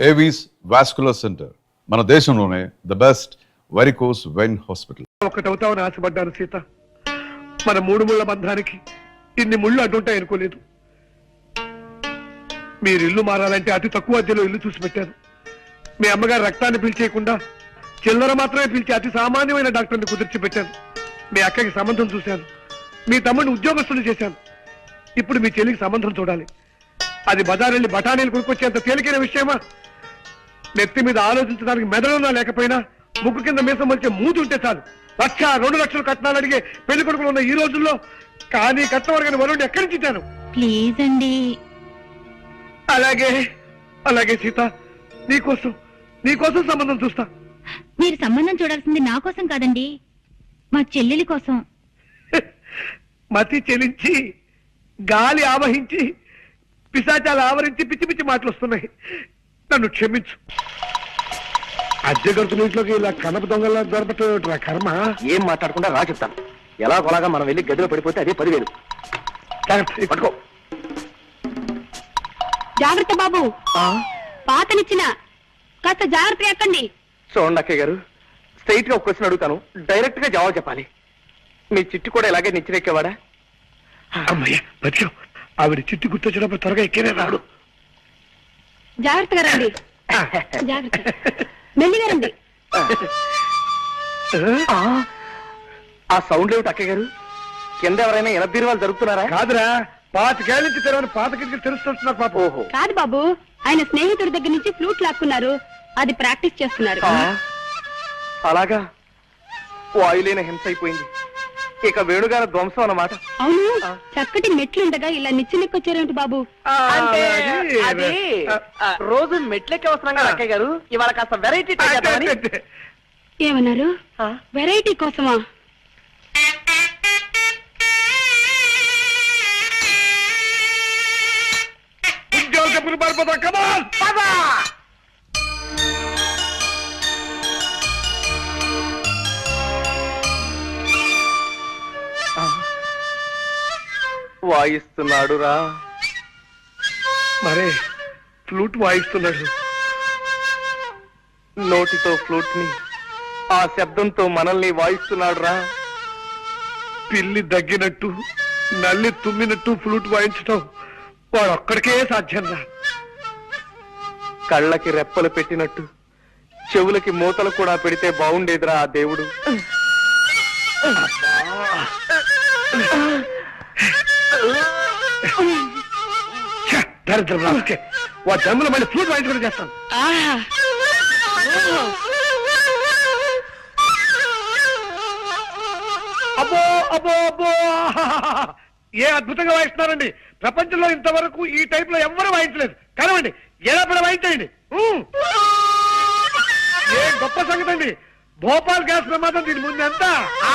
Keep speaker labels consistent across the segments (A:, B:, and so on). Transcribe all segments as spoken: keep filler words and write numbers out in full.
A: Avis vascular centre మన దేశంలోనే the best varicose vein hospital.
B: ఒకటవుతావని ఆశపడ్డాను సీత. మన మూడు ముళ్ళ బంధానికి ఇన్ని ముళ్ళు అడ్డుంటాయి అనుకోలేదు. మీరు ఇల్లు మారాలంటే అతి తక్కువ అద్దెలో ఇల్లు చూసి పెట్టారు. మీ అమ్మగారు రక్తాన్ని పిలిచేయకుండా చిల్లర మాత్రమే పిలిచి అతి సామాన్యమైన డాక్టర్ని కుదిర్చి పెట్టాను. మీ అక్కకి సంబంధం చూశాను. మీ తమ్ముడిని ఉద్యోగస్తులు చేశాను. ఇప్పుడు మీ చెల్లికి సంబంధం చూడాలి. అది బజారెళ్ళి బఠానీలు కొనుక్కొచ్చేంత తేలికైన విషయమా? నెత్తి మీద ఆలోచించడానికి మెదడున్నా లేకపోయినా ముక్కు కింద మీసం వచ్చే మూతి ఉంటే చాలు లక్ష రెండు లక్షలు కట్నాలు అడిగే పెళ్లి కొడుకులు ఉన్న ఈ రోజుల్లో కానీ కట్టవరగని వరుణ్ ఎక్కడి నుంచి ఇచ్చాను?
C: ప్లీజ్ అండి.
B: అలాగే అలాగే సీత, నీకోసం నీకోసం సంబంధం చూస్తా.
C: మీరు సంబంధం చూడాల్సింది నా కోసం కాదండి, మా చెల్లెలి కోసం.
B: మతి చెలించి గాలి ఆవహించి పిశాచాలు ఆవరించి పిచ్చి పిచ్చి మాటలు వస్తున్నాయి. నన్ను క్షమించు. అద్దె ఇంట్లోకి ఇలా కనప దొంగలా దొరపట్ల కర్మ.
D: ఏం మాట్లాడకుండా రా చెప్తాను. ఎలా కొలాగా మనం వెళ్ళి గదిలో పడిపోతే అదే పదివేలు. పట్టుకో.
C: జాగ్రత్త బాబు, పాతనిచ్చిన కాస్త జాగ్రత్తగా ఎక్కండి.
D: చూడండి అక్కయ్య గారు, స్ట్రైట్ గా ఒక క్వశ్చన్ అడుగుతాను, డైరెక్ట్ గా జవాబు చెప్పాలి. మీ చిట్టు కూడా ఇలాగే నిచ్చిరెక్కేవాడా?
B: అమ్మయ్య బతికాం. ఆవిడ చిట్టు గుర్తొచ్చినప్పుడు త్వరగా ఎక్కేనే రాడు.
C: జాగ్రత్తగా రండి. జాగ్రత్త, మెల్లిగా రండి.
D: ఆ సౌండ్ ఏమిటి అక్కయ్య గారు? కింద ఎవరైనా ఎనభై వాళ్ళు జరుగుతున్నారా?
B: కాదురా, పాతికేళ్ళ నుంచి తెరవని పాత కిటికీలు తెలుస్తున్నారు పాప.
D: ఓహో,
C: కాదు బాబు, ఆయన స్నేహితుడి దగ్గర నుంచి ఫ్లూట్ లాక్కున్నారు. అది ప్రాక్టీస్ చేస్తున్నారు.
D: అలాగా? వాయులేన హింస అయిపోయింది. ఇక వేణుగారి ధ్వంసం అన్నమాట.
C: అవును, చక్కటి మెట్లుండగా ఇలా నిచ్చినెక్కొచ్చారేమిటి బాబు?
D: అంటే అది రోజు మెట్లెక్కి వస్తున్నాం కదా అక్కయ్య గారు, ఇవాళ కాస్త వెరైటీ
C: ఏమన్నారు? వెరైటీ కోసమా?
B: ఉద్యోగ పారిపోతాం. కమాన్ పదా.
D: వాయిస్తున్నాడు రా.
B: మరే ఫ్లూట్ వాయిస్తున్నాడు.
D: నోటితో ఫ్లూట్ ని, ఆ శబ్దంతో మనల్ని వాయిస్తున్నాడు రా.
B: పిల్లి దగ్గినట్టు నల్లి తుమ్మినట్టు ఫ్లూట్ వాయించటం వాడు ఒక్కడికే సాధ్యం రా.
D: కళ్ళకి రెప్పలు పెట్టినట్టు చెవులకి మూతలు కూడా పెడితే బాగుండేదిరా ఆ దేవుడు.
B: దరిద్రం రాకే, వా జమ్ములు మళ్ళీ ఫ్లూట్ వాయించుకుని చేస్తాను. అబ్బో అబ్బో అబ్బో, ఏ అద్భుతంగా వాయిస్తున్నారండి. ప్రపంచంలో ఇంతవరకు ఈ టైప్ లో ఎవ్వరూ వాయించలేదు. కనవండి, ఎలా పడ వాయించండి. ఏ గొప్ప సంగతి అండి. భోపాల్ గ్యాస్ ప్రమాదం దీని ముందు ఎంత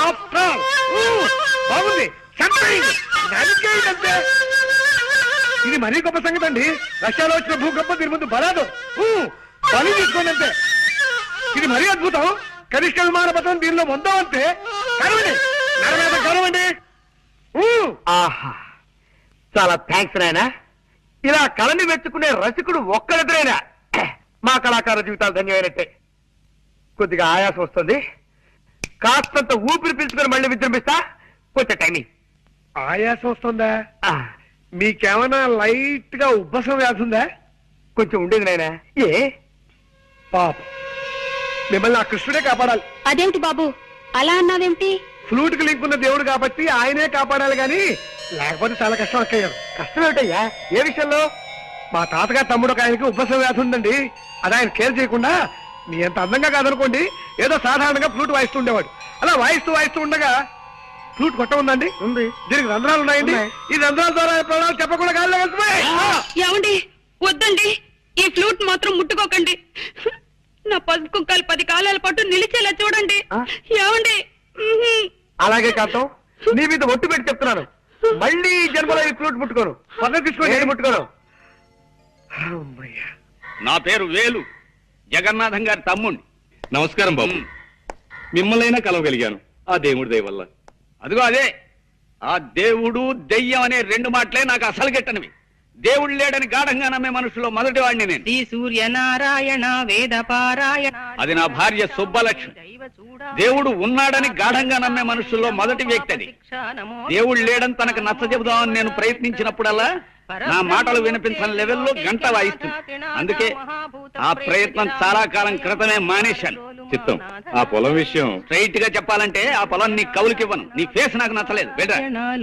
B: బాగుంది. అంతే, ఇది మరీ గొప్ప సంగతి అండి. రష్యాలో వచ్చిన భూకంపం దీని ముందు బలాదు. బలి తీసుకోండి అంతే. ఇది మరీ అద్భుతం. కనిష్క విమాన పథకం దీనిలో వందో అంతే. కరవండి, నరవేద కరవండి.
D: ఆహా, చాలా థ్యాంక్స్ నాయనా. ఇలా కళని మెచ్చుకునే రసికుడు ఒక్కరిద్దరైనా మా కళాకార జీవితాలు ధన్యమైనట్టే. కొద్దిగా ఆయాసం వస్తుంది, కాస్తంత ఊపిరి పీల్చుకొని మళ్ళీ విజృంభిస్తా. కొంచెం టైమింగ్.
B: ఆయాసం వస్తుందా? మీకేమైనా లైట్ గా ఉబ్బసం వ్యాధి ఉందా?
D: కొంచెం ఉండేది నాయనా. ఏ
B: పాప, మిమ్మల్ని ఆ కృష్ణుడే కాపాడాలి.
C: అదేమిటి బాబు అలా అన్నావేమిటి?
B: ఫ్లూట్ కి లింక్ ఉన్న దేవుడు కాబట్టి ఆయనే కాపాడాలి గాని లేకపోతే చాలా కష్టం అక్కయ్యారు.
D: కష్టం ఏమిటయ్యా? ఏ విషయంలో?
B: మా తాతగారు తమ్ముడు ఒక ఆయనకి ఉబ్బసం వ్యాధి ఉందండి. అది ఆయన కేర్ చేయకుండా మీ ఎంత అందంగా కాదనుకోండి ఏదో సాధారణంగా ఫ్లూట్ వాయిస్తూ ఉండేవాడు. అలా వాయిస్తూ వాయిస్తూ ఉండగా ఫ్లూట్ కొట్ట ఉందండి.
D: ఉంది.
B: దీనికి రంధ్రాలు ఉన్నాయండి. ఈ రంధ్రాల ద్వారా ప్రాణాలు చెప్పకుండా గాలిలో వెళ్తున్నాయి.
C: ఏమండి, వద్దండి, ఈ ఫ్లూట్ మాత్రం ముట్టుకోకండి. నా పసుపు కుక్కలు పది కాలాల పాటు నిలిచేలా చూడండి. ఏమండి?
D: అలాగే కాంతం, నీ మీద ఒట్టు పెట్టి చెప్తున్నాను, మళ్ళీ ఈ జన్మలో ఈ ఫ్లూట్ ముట్టుకోను. పక్కన తీసుకోండి, ముట్టుకోను.
E: నా పేరు వేలు, జగన్నాథం గారి తమ్ముణ్ణి.
F: నమస్కారం బాబు. మిమ్మల్నైనా కలవగలిగాను ఆ దేవుడి దయ వల్ల.
E: అదిగో అదే, ఆ దేవుడు దెయ్యం అనే రెండు మాటలే నాకు అసలు గిట్టనివి. దేవుడు లేడని గాఢంగా నమ్మే మనుషుల్లో మొదటి వాడిని నేను.
C: శ్రీ సూర్యనారాయణ వేద పారాయణ.
E: అది నా భార్య సుబ్బలక్ష్మి. దేవుడు ఉన్నాడని గాఢంగా నమ్మే మనుషుల్లో మొదటి వ్యక్తి అది. దేవుడు లేడని తనకు నచ్చ చెబుదామని నేను ప్రయత్నించినప్పుడల్లా నా మాటలు వినిపించని లెవెల్లో గంట వాయిస్తుంది. అందుకే ఆ ప్రయత్నం చాలా కాలం క్రితమే మానేశాను.
F: చిత్తం, ఆ పొలం విషయం
E: స్ట్రైట్ గా చెప్పాలంటే ఆ పొలం నీ కౌలుకివ్వను. నీ ఫేస్ నాకు నచ్చలేదు. వెళ్ళరా.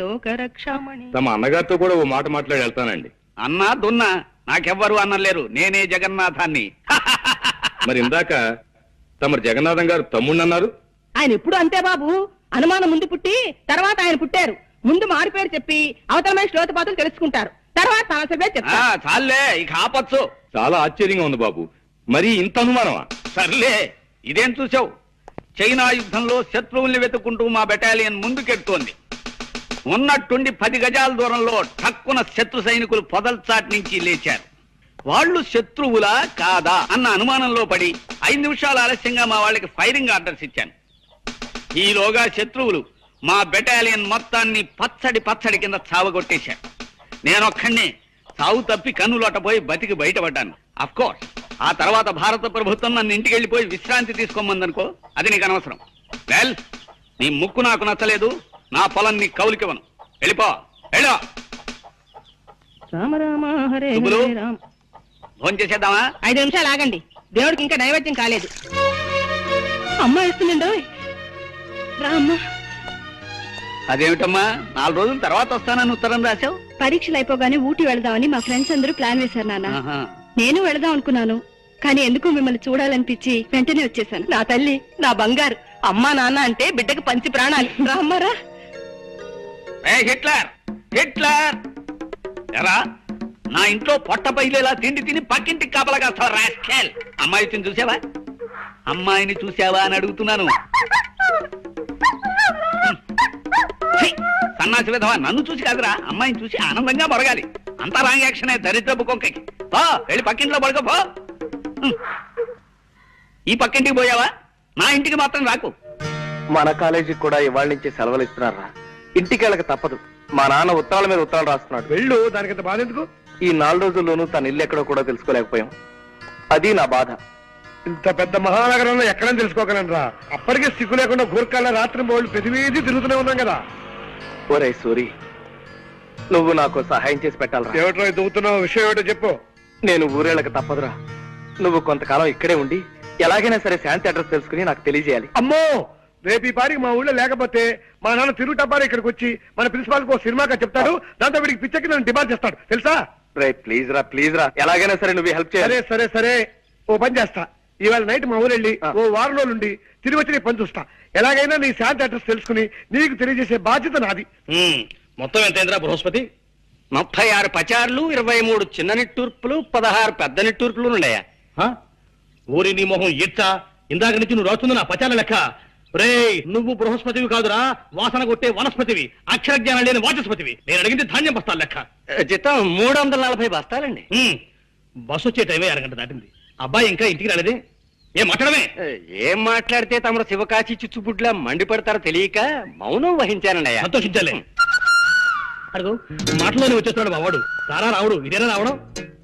F: తమ అన్నగారితో కూడా ఓ మాట మాట్లాడి వెళ్తానండి.
E: అన్నా దున్నా నాకెవ్వరు అన్నలేరు. నేనే జగన్నాథాన్ని.
F: మరి ఇందాక తమరు జగన్నాథం గారు తమ్ముడు అన్నారు.
G: ఆయన ఎప్పుడు అంతే బాబు, అనుమానం ముందు పుట్టి తర్వాత ఆయన పుట్టారు. ముందు మారి పేరు చెప్పి అవతలమైన శ్లోతపాతులు తెలుసుకుంటారు, తర్వాత సమస్య పేరు
E: ఆ,
G: చెప్తారు.
E: చాలే ఇక ఆపచ్చు.
F: చాలా ఆశ్చర్యంగా ఉంది బాబు. మరి ఇంత అనుమానమా?
E: సర్లే, ఇదేం చూసావు? చైనా యుద్ధంలో శత్రువుల్ని వెతుక్కుంటూ మా బెటాలియన్ ముందుకెడుతోంది. ఉన్నట్టుండి పది గజాల దూరంలో ఠక్కున శత్రు సైనికులు పొదల్చాటి నుంచి లేచారు. వాళ్ళు శత్రువులా కాదా అన్న అనుమానంలో పడి ఐదు నిమిషాలు ఆలస్యంగా మా వాళ్ళకి ఫైరింగ్ ఆర్డర్స్ ఇచ్చాను. ఈలోగా శత్రువులు మా బెటాలియన్ మొత్తాన్ని పచ్చడి పచ్చడి కింద చావగొట్టేశారు. నేనొక్కడినే చావు తప్పి కన్నులోటపోయి బతికి బయటపడ్డాను. అఫ్ కోర్స్ ఆ తర్వాత భారత ప్రభుత్వం నన్ను ఇంటికి వెళ్ళిపోయి విశ్రాంతి తీసుకోమందనుకో, అది నీకు అనవసరం. వెల్, నీ ముక్కు నాకు నచ్చలేదు, నా పొలం నీ కౌలికివ్వను. వెళ్ళిపో, వెళ్ళో.
G: రామ రామ హరే
E: శుభులు.
G: హరే రామ.
E: ఫోన్ చేసేద్దామా?
G: ఐదు నిమిషాలు ఆగండి, దేవుడికి ఇంకా నైవేద్యం కాలేదు. అమ్మ ఇస్తుందండి. రామ్మ,
E: అదేమిటమ్మా, నాలుగు రోజుల తర్వాత వస్తానని ఉత్తరం రాశావు?
H: పరీక్షలు అయిపోగానే ఊటీ వెళదామని మా ఫ్రెండ్స్ అందరూ ప్లాన్ వేశారు నాన్న.
E: ఆహా.
H: నేను వెళదాం అనుకున్నాను, కానీ ఎందుకు మిమ్మల్ని చూడాలనిపించి వెంటనే వచ్చేసాను.
G: నా తల్లి, నా బంగారు. అమ్మా నాన్న అంటే బిడ్డకు పంచి ప్రాణాలు. రామ్మారా.
E: ఏ హిట్లర్, హిట్లర్ ఎరా, నా ఇంట్లో పొట్ట పైలేలా తిండి తిని పక్కింటికి కాపలా కాస్తావా రాస్కెల్? అమ్మాయిని చూసావా? అమ్మాయిని చూసావా అని అడుగుతున్నాను. ఛీ, సన్నాసి విధవా, నన్ను చూసి కాదురా, అమ్మాయిని చూసి ఆనందంగా మొరగాలి. అంతా రాంగ్ యాక్షనే దరిద్రపు కొంకకి. పో, వెళ్ళి పక్కింట్లో పడుకో పో. హ్మ్. ఈ పక్కింటికి పోయావా? నా ఇంటికి మాత్రం రాకు.
D: మన కాలేజీకి కూడా ఇవాళ నుంచి సెలవులు ఇస్తున్నారా? ఇంటికి వెళ్ళక తప్పదు. మా నాన్న ఉత్తరాల మీద ఉత్తరాలు రాస్తున్నాడు.
B: వెళ్ళు, దానికంత బాధ ఎందుకు?
D: ఈ నాలుగు రోజుల్లోనూ తన ఇల్లు ఎక్కడో కూడా తెలుసుకోలేకపోయాం. అది నా బాధ.
B: ఇంత పెద్ద మహానగరంలో ఎక్కడని తెలుసుకోగలనరా? అప్పటికే సిగ్గు లేకుండా గూర్ఖాల రాత్రి బోళ్ళు ప్రతి వీధి తిరుగుతూనే ఉన్నాం కదా.
D: ఒరే సూరి, నువ్వు నాకు సహాయం చేసి పెట్టాలరా.
B: ఏమిటో దువ్వుతున్నావు, విషయం ఏమిటో చెప్పు.
D: నేను ఊరేళ్ళకి తప్పదురా. నువ్వు కొంతకాలం ఇక్కడే ఉండి ఎలాగైనా సరే శాంతి అడ్రస్ తెలుసుకుని నాకు తెలియజేయాలి.
B: అమ్మో, రేపు ఈ పారికి మా ఊళ్ళో లేకపోతే మా నాన్న తిరుగుటబ్బారి ఇక్కడికి వచ్చి మన ప్రిన్సిపాల్ కు సినిమాగా చెప్తాడు. దాంతో వీడికి పిచ్చకి నన్ను డిమాండ్ చేస్తాడు, తెలుసా?
D: రే ప్లీజ్ రా, ప్లీజ్ రా, ఎలాగైనా సరే నువ్వు హెల్ప్
B: సరే
D: చేయాలి.
B: సరే సరే, ఓ పని చేస్తా. ఇవాళ నైట్ మా ఊరు వెళ్ళి
D: ఆ.
B: ఓ వారం రోజులు ఉండి తిరిగి వచ్చి నీ పని చూస్తా. ఎలాగైనా నీ శాంతి అడ్రస్ తెలుసుకుని నీకు తెలియజేసే బాధ్యత నాది.
F: హ్మ్. మొత్తం ఎంతైందిరా బృహస్పతి?
E: ముప్పై ఆరు పచార్లు, ఇరవై మూడు చిన్న నిట్టూర్పులు, పదహారు పెద్ద నిట్టూర్పులు ఉన్నాయా?
F: హ? ఊరి నీ మొహం ఇచ్చా, ఇందాక నుంచి నువ్వు రాస్తుంది నా పచాల లెక్క. రే, నువ్వు బృహస్పతివి కాదురా, వాసన కొట్టే వనస్పతివి, అక్షర జ్ఞానం లేని వాచస్పతివి. నేను అడిగింది ధాన్యం బస్తాల లెక్క.
E: జీతం మూడు వందల నలభై బస్తాలండి.
F: హ్మ్. బస్సు వచ్చే టైమే అరగంట దాటింది. అబ్బాయి ఇంకా ఇంటికి రాలేదే? ఏం మాట్లాడమే?
E: ఏం మాట్లాడితే తమరు శివకాశి చిచ్చుబుడ్లా మండిపడతారో తెలియక మౌనం వహించానండి.
F: సంతోషించాలే. అడుగు, మాటలోనే వచ్చేస్తున్నాడు మా వాడు. రారా రావుడు, ఇదేనా రావడం?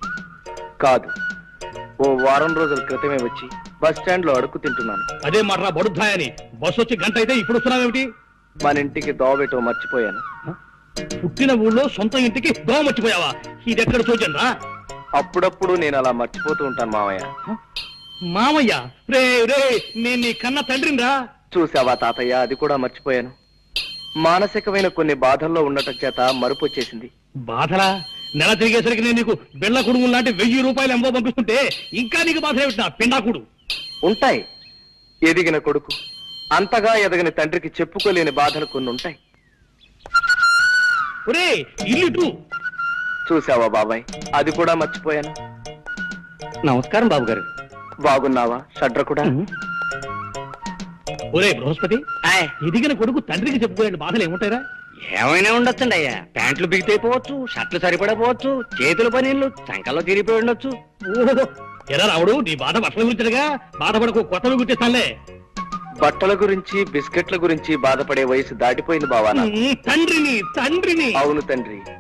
D: కాదు, ఓ వారం రోజుల క్రితమే వచ్చి బస్ స్టాండ్ లో అడుక్కు తింటున్నాను.
F: అదే మాటరా బడుద్దాయని. బస్సు వచ్చి గంట అయితే ఇప్పుడు వస్తున్నావేమిటి?
D: మన ఇంటికి దోవబెట్టో మర్చిపోయాను.
F: పుట్టిన ఊళ్ళో సొంత ఇంటికి దోమ మర్చిపోయావా? ఇది ఎక్కడ చూచాను రా.
D: అప్పుడప్పుడు నేను అలా మర్చిపోతూ ఉంటాను మామయ్య.
F: మామయ్య, రే రే, నేను నీ కన్న తండ్రిని రా.
D: చూసావా తాతయ్య, అది కూడా మర్చిపోయాను. మానసికమైన కొన్ని బాధల్లో ఉండటం చేత మరుపు వచ్చేసింది.
F: బాధలా? నెల తిరిగేసరికి నేను నీకు బిళ్ళ కుడుము లాంటి వెయ్యి రూపాయలు ఎంబో పంపిస్తుంటే ఇంకా నీకు బాధ ఏమిటి నా పిండాకుడు?
D: ఉంటాయి. ఎదిగిన కొడుకు అంతగా ఎదగని తండ్రికి చెప్పుకోలేని బాధలు కొన్ని ఉంటాయి.
F: ఒరే, ఇల్లు
D: చూసావా బాబాయ్, అది కూడా మర్చిపోయాను.
E: నమస్కారం బాబు గారు.
D: బాగున్నావా షడ్ర కూడా?
F: ఒరే బృహస్పతి, ఎదిగిన కొడుకు తండ్రికి చెప్పుకోలేని బాధలు ఏముంటాయిరా?
E: ఏమైనా ఉండొచ్చండి అయ్యా. ప్యాంట్లు బిగితైపోవచ్చు, షర్ట్లు సరిపడపోవచ్చు, చేతుల పనీళ్ళు చంకల్లో తిరిగిపోయి ఉండొచ్చు.
F: ఓహో, ఎలా రావుడు, నీ బాధ బట్టల గురించగా? బాధపడకు, కొత్తవి గుర్తిస్తానులే.
D: బట్టల గురించి బిస్కెట్ల గురించి బాధపడే వయసు దాటిపోయింది బావా నాకు.
F: తండ్రిని తండ్రిని
D: అవును తండ్రి,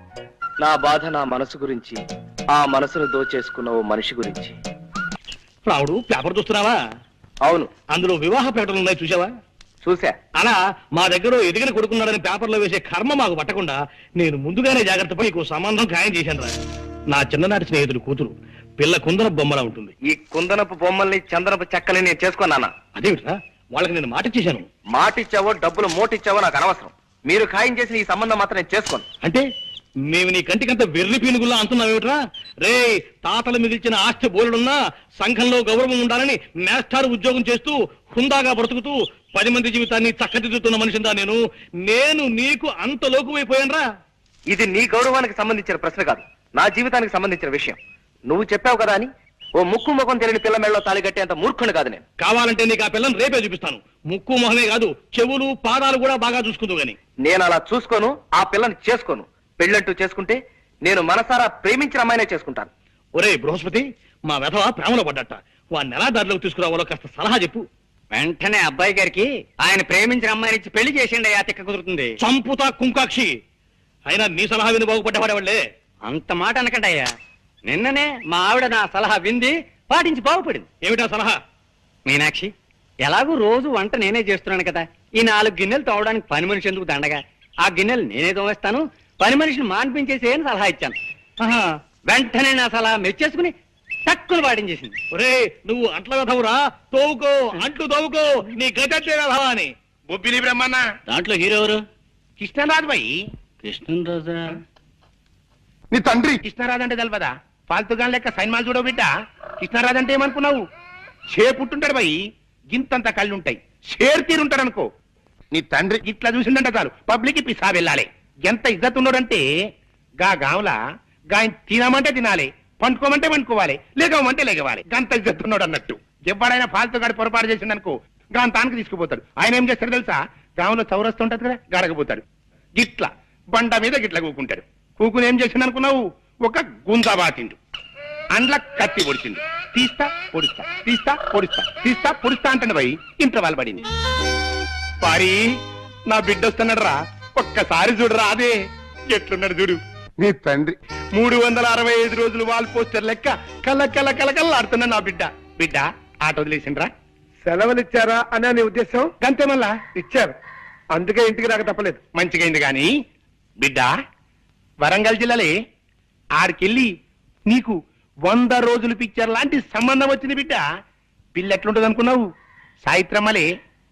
D: నా బాధ నా మనసు గురించి, ఆ మనసును దోచేసుకున్న ఓ మనిషి గురించి.
F: రావుడు పేపర్ చూస్తున్నావా?
D: అవును,
F: అందులో వివాహ ప్రకటనలు ఉన్నాయి, చూసావా?
D: చూసా.
F: అలా మా దగ్గర ఎదిగిన కొడుకున్నాడని పేపర్లో వేసే కర్మ మాకు పట్టకుండా నేను ముందుగానే జాగ్రత్త పడి నీకు సంబంధం ఖాయం చేశాను రా. నా చిన్ననాటి స్నేహితుడు కూతురు, పిల్ల కుందన బొమ్మలా ఉంటుంది.
D: ఈ కుందనపు బొమ్మల్ని చందనపు చెక్కని నేను చేసుకున్నానా?
F: అదేమిట్రా, వాళ్ళకి నేను మాట ఇచ్చేశాను.
D: మాటిచ్చావో డబ్బులు మోటిచ్చావో నాకు అనవసరం. మీరు ఖాయం చేసిన ఈ సంబంధం మాత్రం నేను చేసుకోను.
F: అంటే మేము నీ కంటికంత వెర్రి పీనుగుల్లా అంటున్నావేమిట్రా? రే, తాతలు మిగిల్చిన ఆస్తి బోలుడున్నా సంఘంలో గౌరవం ఉండాలని మేస్టార్ ఉద్యోగం చేస్తూ హుందాగా బ్రతుకుతూ పది మంది జీవితాన్ని చక్కదిద్దుతున్న మనిషిందా నేను. నేను నీకు అంత లోకువైపోయానరా?
D: ఇది నీ గౌరవానికి సంబంధించిన ప్రశ్న కాదు, నా జీవితానికి సంబంధించిన విషయం. నువ్వు చెప్పావు కదా అని ఓ ముక్కు ముఖం తెలియని పిల్ల మెళ్ళలో తాళి కట్టేంత మూర్ఖుని కాదు నేను.
F: కావాలంటే నీకు ఆ పిల్లని రేపే చూపిస్తాను. ముక్కు మొహమే కాదు, చెవులు పాదాలు కూడా బాగా చూసుకుందు గాని.
D: నేను అలా చూసుకోను, ఆ పిల్లని చేసుకోను. పెళ్ళంటూ చేసుకుంటే నేను మనసారా ప్రేమించిన అమ్మాయినే చేసుకుంటాను.
F: ఒరే బృహస్పతి, మా వెధవ ప్రేమలో పడ్డట. వాడిని ఎలా దారిలోకి తీసుకురావాలో కాస్త సలహా చెప్పు.
E: వెంటనే అబ్బాయి గారికి ఆయన ప్రేమించిన అమ్మాయిని ఇచ్చి పెళ్లి చేసిండి, ఆ తిక్క కుదురుతుంది.
F: చంపుతా కుంకాక్షి. అయినా నీ సలహా విని బాగుపడ్డవాడేవాళ్లే.
E: అంత మాట అనకండి అయ్యా. నిన్ననే మా ఆవిడ నా సలహా వింది, పాటించి బాగుపడింది.
F: ఏమిటా సలహా?
E: మీనాక్షి, ఎలాగూ రోజు వంట నేనే చేస్తున్నాను కదా, ఈ నాలుగు గిన్నెలు తోవడానికి పని మనిషి ఎందుకు దండగా, ఆ గిన్నెలు నేనే తోవేస్తాను, పని మనిషిని మాన్పించేసి అని సలహా ఇచ్చాను. ఆహా, వెంటనే నా సలహా మెచ్చేసుకుని తక్కువ పాటించేసింది.
F: ఒరే, నువ్వు అంట్ల వెధవురా, తోవుకో, అంట్లు తోవుకో, నీ గజంటే వెధవా అని.
I: బొబ్బిలి బ్రహ్మన్న
F: దాంట్లో హీరో ఎవరు?
I: కృష్ణరాజు బాయి.
F: కృష్ణరాజా?
I: నీ తండ్రి కృష్ణరాజు అంటే తెలియదా? ఫాల్తుగాన్ లెక్క సైన్మాలు చూడవు బిడ్డ. కృష్ణరాజు అంటే ఏమనుకున్నావు? షే పుట్టుంటాడు బాయి, గింతంత కళ్ళుంటాయి, షేర్ తీరుంటాడు అనుకో. నీ తండ్రి ఇట్లా చూసిందంట చాలు పబ్లిక్ పిసా వెళ్ళాలి. ఎంత ఇజ్జత్ ఉన్నాడంటే గా గాంలా గాయన తినమంటే తినాలి, పండుకోమంటే పండుకోవాలి, లేగమంటే లేగవాలి. గంత ఇజ్జత్ ఉన్నాడు అన్నట్టు. ఎవడైనా ఫాల్తుగాడి పొరపాటు చేసిండనుకో గాని తానికి తీసుకుపోతాడు. ఆయన ఏం చేస్తాడు తెలుసా? గాంలో చౌరస్తూ ఉంటది కదా, గాడకపోతాడు. గిట్ల బండ మీద గిట్ల కూకుంటాడు. కూకుని ఏం చేసిండు అనుకున్నావు? ఒక గుంజా బాతిండు, అండ్ల కత్తి పొడిచిండు. తీస్తా పొడుస్తా, తీస్తా పొడుస్తా, తీస్తా పొడుస్తా అంటాడు పోయి ఇంట్లో వాళ్ళు పడింది. పారి, నా బిడ్డ వస్తున్నాడు రా, ఒక్కసారి చూడరా. అదే ఎట్లున్నాడు చూడు నీ తండ్రి. మూడు వందల అరవై ఐదు రోజులు వాల్ పోస్టర్ లెక్క కళ్ళ కళ్ళ కళ్ళ కళ్ళ ఆడుతున్నా నా బిడ్డ. బిడ్డ ఆట వదిలేసిండ్రా?
B: సెలవులు ఇచ్చారా అని నీ ఉద్దేశం?
I: గంతే మళ్ళా
B: ఇచ్చారు, అందుకే ఇంటికి రాక తప్పలేదు.
I: మంచిగైంది గాని బిడ్డ, వరంగల్ జిల్లాలే ఆడికెళ్ళి నీకు వంద రోజులు పిక్చర్ లాంటి సంబంధం వచ్చింది బిడ్డ. పిల్ల ఎట్లుంటది అనుకున్నావు? సాయిత్రమ్మలే.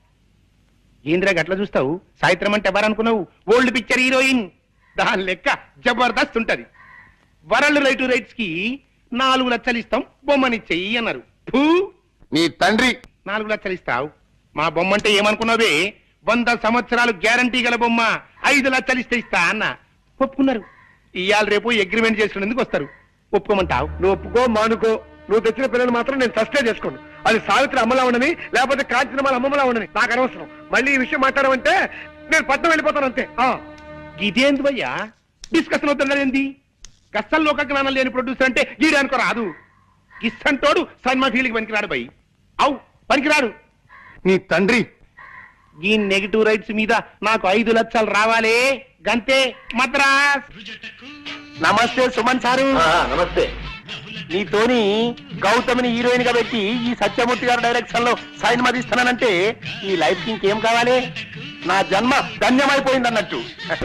I: ఏంద్రా గట్లా చూస్తావు? సాయిత్రం అంటే ఎవరనుకున్నావు? Old picture heroine. దాని లెక్క జబర్దస్త్ ఉంటది. వరల్డ్ రైట్ టు రైట్స్ కి నాలుగు లక్షలు ఇస్తాం, బొమ్మనిచ్చేయి అన్నారు. ఫూ, నీ తండ్రి నాలుగు లక్షలు ఇస్తావు, మా బొమ్మ అంటే ఏమనుకున్నావే? వంద సంవత్సరాలు గ్యారంటీ గల బొమ్మ, ఐదు లక్షలు ఇస్తే ఇస్తా అన్న. ఒప్పుకున్నారు. ఇవాళ రేపు అగ్రిమెంట్ చేసుకునేందుకు వస్తారు. ఒప్పుకోమంటావు?
B: నువ్వు ఒప్పుకో మానుకో, నువ్వు తెచ్చిన పిల్లలు మాత్రం నేను సస్టే చేసుకోను. అది సావిత్రి అమ్మలా ఉండని, లేకపోతే కాంచనమాల అమ్మలా ఉండని నాకు అనవసరం. మళ్ళీ ఈ విషయం మాట్లాడమంటే నేను పట్నం వెళ్ళిపోతాను అంతే.
I: ఇదేంది భయ్యా డిస్కషన్ అవుతుండేంది? గస్సల్ లోక జ్ఞానం లేని ప్రొడ్యూసర్ అంటే గీడే అనుకో రాదు. గిస్సంటోడు సినిమా ఫీల్డ్కి పనికిరాడు భయ్. అవు పనికిరాడు. నీ తండ్రి ఈ నెగిటివ్ రైట్స్ మీద నాకు ఐదు లక్షలు రావాలే, గంతే మద్రాస్. నమస్తే సుమన్ సారు.
D: నమస్తే.
I: నీతోని గౌతమిని హీరోయిన్ గా పెట్టి ఈ సత్యమూర్తి గారు డైరెక్షన్ లో సైన్ మదిస్తానంటే ఈ లైఫ్ కి ఇంకేం కావాలి? నా జన్మ ధన్యమైపోయింది అన్నట్టు.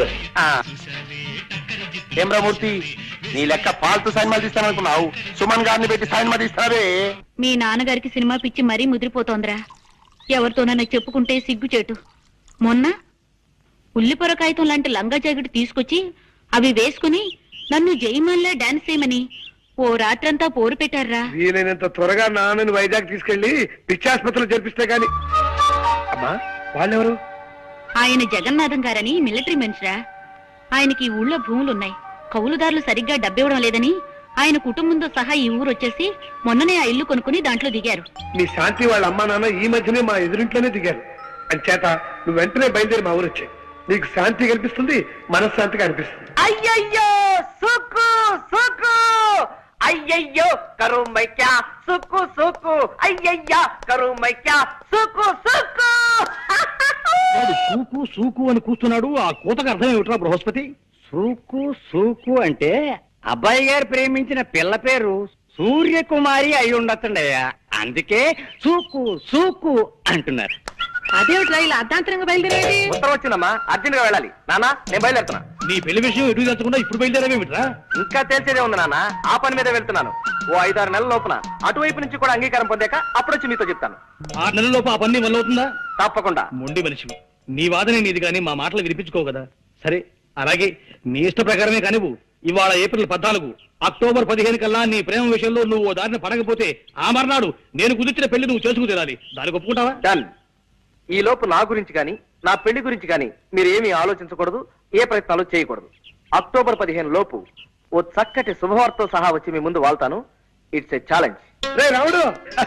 I: ఏమ్రమూర్తి, నీ లెక్క ఫాల్తు సైన్ మదిస్తాననుకున్నావు, సుమన్ గారిని పెట్టి సైన్ మదిస్తావే.
H: మీ నాన్నగారికి సినిమా పిచ్చి మరీ ముదిరిపోతోందిరా. ఎవరితోనైనా చెప్పుకుంటే సిగ్గుచేటు. మొన్న ఉల్లిపొర కాగితం లాంటి లంగా జాకెట్ తీసుకొచ్చి అవి వేసుకుని నన్ను జయమల్లా డాన్స్ చేయమని ఓ రాత్రంతా పోరు పెట్టారా.
B: వీలైనంత త్వరగా నాన్నని వైజాగ్ తీసుకెళ్లి పిచ్చాసుపత్రిలో జరిపిస్తే గాని. అమ్మా, వాళ్ళెవరు?
H: ఆయన జగన్నాథం గారని మిలిటరీ మనిషిరా. ఆయనకి ఈ ఊళ్ళో భూములున్నాయి, కౌలుదారులు సరిగ్గా డబ్బివ్వడం లేదని ఆయన కుటుంబంతో సహా ఈ ఊరు వచ్చేసి మొన్ననే ఆ ఇల్లు కొనుక్కుని దాంట్లో దిగారు.
B: మీ శాంతి వాళ్ళ అమ్మా నాన్న ఈ మధ్యనే మా ఎదురింట్లోనే దిగారు. అంచేత నువ్వు వెంటనే బయలుదేరి మా ఊరు వచ్చాయి. నీకు శాంతి కనిపిస్తుంది, మనశ్శాంతిగా అనిపిస్తుంది.
D: అయ్యయ్యో సుక్కు సుక్కు, అయ్యయ్యో కరు మైక్యా సుక్కు సుక్కు, అయ్యయ్యా కరు మైక్యా సుక్కు సుక్కు.
F: వాడు సూకు సూకు అని కూస్తున్నాడు. ఆ కూతకు అర్థం ఏమిట్రా బృహస్పతి?
E: సూకు సూకు అంటే అబ్బాయి గారు ప్రేమించిన పిల్ల పేరు సూర్యకుమారి అయి ఉండొచ్చండయ్యా, అందుకే సూకు సూకు అంటున్నారు.
G: అదేమిట్రా ఇలా అర్ధాంతరంగా బయలుదేరేది?
D: ఉత్తరం వచ్చిందమ్మా, అర్జెంట్ గా వెళ్ళాలి. నానా నేను బయలుదేరుతున్నా.
F: నీ పెళ్లి విషయం ఎటు తెచ్చకుండా ఇప్పుడు బయలుదేరావేమిట్రా?
D: ఇంకా తెలిసేదే ఉంది నాన్న, ఆ పని మీదే వెళ్తున్నాను. ఓ ఐదారు నెలల లోపున అటువైపు నుంచి కూడా అంగీకారం పొందాక అప్పుడు వచ్చి మీతో చెప్తాను.
F: ఆరు నెలలలోపు ఆ పని వల్ల అవుతుందా?
D: తప్పకుండా.
F: మొండి మనిషివి, నీ వాదనే నీది కానీ మా మాటలు వినిపించుకోవు కదా. సరే అలాగే నీ ఇష్ట ప్రకారమే కానివ్వు. ఇవాళ ఏప్రిల్ పద్నాలుగు, అక్టోబర్ పదిహేను కల్లా నీ ప్రేమ విషయంలో నువ్వు ఓ దారిని పడకపోతే ఆ మర్నాడు నేను కుదిర్చిన పెళ్లి నువ్వు చేసుకు తీరాలి. దానికి ఒప్పుకుంటావా?
D: డన్. ఈ లోపు నా గురించి కానీ నా పెళ్లి గురించి కానీ మీరు ఏమీ ఆలోచించకూడదు, ఏ ప్రయత్నాలు చేయకూడదు. అక్టోబర్ పదిహేను లోపు ఓ చక్కటి శుభవార్తతో సహా వచ్చి మీ ముందు వాళ్తాను. It's a challenge.
B: రే రాముడు,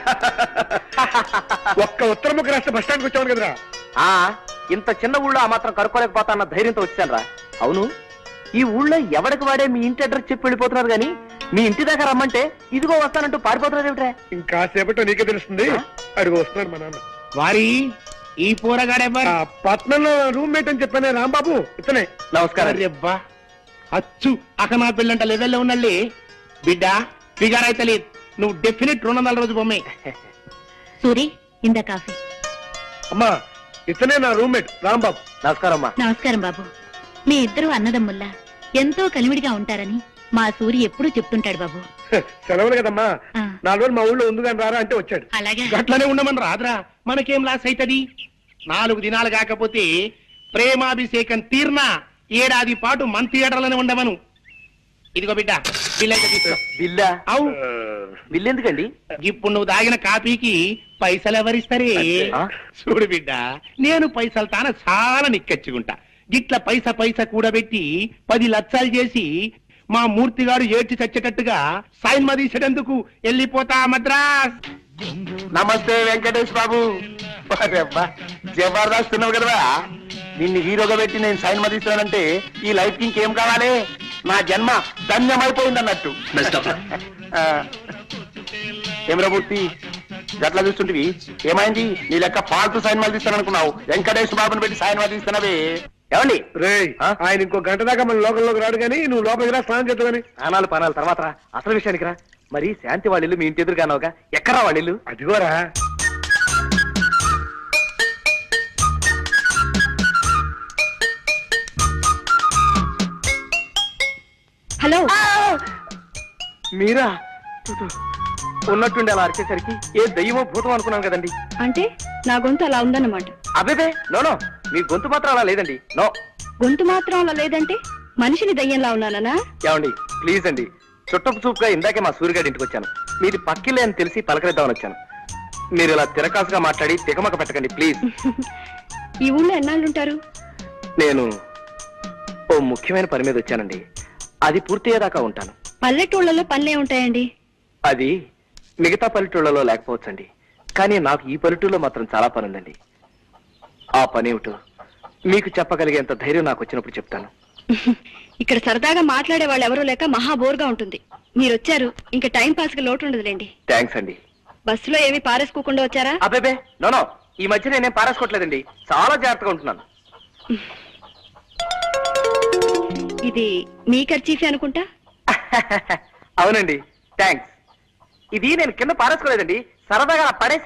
B: ఒక్క ఉత్తరముఖ రాష్ట్ర బస్ స్టాండ్కి వచ్చాను కదరా.
D: ఆ ఇంత చిన్న ఊళ్ళో ఆ మాత్రం కనుక్కోలేకపోతా అన్న ధైర్యంతో వచ్చాను రా. అవును, ఈ ఊళ్ళో ఎవరికి వాడే మీ ఇంటి అడ్రస్ చెప్పి వెళ్ళిపోతున్నారు గానీ మీ ఇంటి దాకా రమ్మంటే ఇదిగో వస్తానంటూ పారిపోతున్నారు ఏమిట్రా?
B: ఇంకా సేపట్లో నీకే తెలుస్తుంది. అడుగు వస్తున్నాడు మా నాన్న.
I: వారి ఈ పోరగాడెవ్వరు?
B: ఆ పట్నంలో రూమ్మేట్ అని చెప్పానే రాంబాబు, ఇతనే.
D: నమస్కారం.
I: అబ్బా అచ్చు అక నా పిల్లంట లెవెల్లో ఉన్నళ్ళి బిడ్డ ఫిగర్ అయితే లేదు. నువ్వు డెఫినెట్ రెండు వందల రోజు బొమ్మే.
H: సూరి ఇందా కాఫీ.
B: అమ్మా ఇతనే నా రూమ్మేట్ రాంబాబు.
D: నమస్కారం అమ్మా.
H: నమస్కారం బాబు. మీ ఇద్దరు అన్నదమ్ముల్లా ఎంతో కలివిడిగా ఉంటారని మా సూరి ఎప్పుడూ చెప్తుంటాడు బాబు.
B: సెలవులు కదమ్మా,
H: ఆ.
B: నాలుగు రోజులు మా ఊళ్ళో ఉంది కానీ రారా అంటే వచ్చాడు.
H: అలాగే
I: గట్లనే ఉండమని రాదురా, మనకేం లాస్ అవుతుంది? నాలుగు దినాలు కాకపోతే ప్రేమాభిషేకం తీర్నా ఏడాది పాటు మన థియేటర్లోనే ఉండమను. ఇదిగో బిడ్డ బిల్ అయితే తీసుకో.
D: బిల్లా?
I: అవు
D: బిల్లు ఎందుకండి?
I: ఇప్పుడు నువ్వు తాగిన కాపీకి పైసలు ఎవరిస్తారే?
D: ఆ?
I: చూడు బిడ్డ, నేను పైసలు తాన చాలా నిక్కచ్చుకుంటా. గిట్ల పైస పైస కూడబెట్టి పది లక్షలు చేసి మా మూర్తి గారు ఏడ్చి చచ్చేటట్టుగా సైన్మా తీసేటందుకు వెళ్ళిపోతా మద్రాస్. నమస్తే వెంకటేష్ బాబు. జబర్దస్త్ ఉన్నావు కదా, నిన్ను హీరోగా పెట్టి నేను సైన్మా తీస్తున్నానంటే ఈ లైఫ్ కి ఇంకేం కావాలి? నా జన్మ ధన్యమైపోయింది అన్నట్టు. ఏమరా మూర్తి గట్లా చూస్తుంటివి, ఏమైంది? నీ లెక్క ఫాల్తు సైన్మాలు తీస్తాననుకున్నావు, వెంకటేష్ బాబుని పెట్టి సైన్మా తీస్తున్నావే. ఏమండి
B: రే ఆయన ఇంకో గంట దాకా మన లోకంలోకి రాడు కానీ నువ్వు లోపలికి రా, స్నానం చేద్దామని.
D: అనాలు పనాలు తర్వాత రా, అసలు విషయానికి రా. మరి శాంతి వాళ్ళిల్లు మీ ఇంటి ఎదురుగానోగా, ఎక్కడా వాళ్ళిల్లు?
B: అదిగోరా.
G: హలో,
D: మీరా? ఉన్నట్టుండి అలా అరిచేసరికి ఏ దయ్యమో భూతం అనుకున్నాను కదండి.
G: అంటే నా గొంతు అలా ఉందన్నమాట.
D: అబేబే నో నో, మీ గొంతు మాత్రం అలా లేదండి. నో.
G: గొంతు మాత్రం అలా లేదంటే మనిషిని దయ్యంలా ఉన్నానా?
D: ఏమండి ప్లీజ్ అండి, చుట్టపు చూపుగా ఇందాకే మా సూర్యగాడి ఇంటికి వచ్చాను. మీది పక్కిలే అని తెలిసి పలకరిద్దామని వచ్చాను. మీరు ఇలా తిరకాసుగా మాట్లాడి తికమక పెట్టకండి ప్లీజ్.
G: ఈ ఊళ్ళో ఎన్నాళ్ళుంటారు?
D: నేను ఓ ముఖ్యమైన పని మీద వచ్చానండి, అది పూర్తయ్యేదాకా ఉంటాను.
G: పల్లెటూళ్ళలో పనులే ఉంటాయండి.
D: అది మిగతా పల్లెటూళ్ళలో లేకపోవచ్చండి, కానీ నాకు ఈ పల్లెటూళ్ళలో మాత్రం చాలా పని ఉందండి. ఆ పని ఏమిటో మీకు చెప్పగలిగేంత ధైర్యం నాకు వచ్చినప్పుడు చెప్తాను.
G: ఇక్కడ సరదాగా మాట్లాడే వాళ్ళు ఎవరూ లేక మహా బోర్గా ఉంటుంది. మీరు వచ్చారు, ఇంకా టైం పాస్ కి లోటు ఉండదులేండి.
D: థ్యాంక్స్ అండి.
G: బస్సులో ఏమీ పారేసుకోకుండా వచ్చారా?
D: అబ్బేబే నో నో, ఈ మధ్య నేనేం పారేసుకోవట్లేదండి, చాలా జాగ్రత్తగా ఉంటున్నాను.
G: ఇది మీ ఖర్చీఫే అనుకుంటా.
D: అవునండి థ్యాంక్స్. ఇది నేను కింద పారేసుకోలేదండి, సరదాగా పడే